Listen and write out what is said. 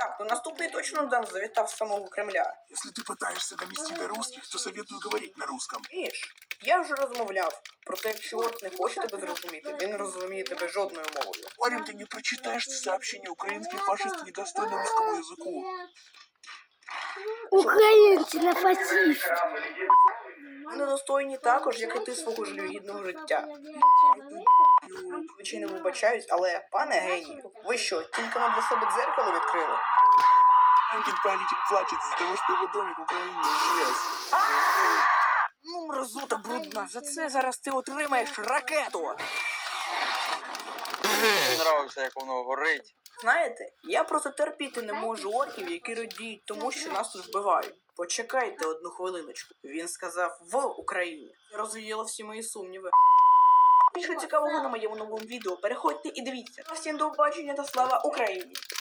Так, ну наступний точно Дан завітав з самого Кремля. Если ты пытаешься донести до русских, то советую говорить на русском. Віж, я вже розмовляв. Проте, якщо Орк не хоче тебе зрозуміти, він не розуміє тебе жодною мовою. Парень, ты не прочитаешь сообщение, украинский фашист недостойны русскому языку. Українці не фашисти. Ми недостойні також, як і ти свого жалюгідного життя. Звичайно, вибачаюсь, але, пане генію, ви що, тільки нам для себе дзеркало відкрили? Один политик плачет из-за того, что его домик в Украине исчез. Ну, мразота брудна, за це зараз ти отримаєш ракету. Мені нравиться, як воно горить. Знаєте, я просто терпіти не можу орків, які радіють тому, що нас тут вбивають. Почекайте одну хвилиночку. Він сказав в Україні. Розвіяло всі мої сумніви. Більше цікавого на моєму новому відео. Переходьте і дивіться. Всім до побачення та слава Україні!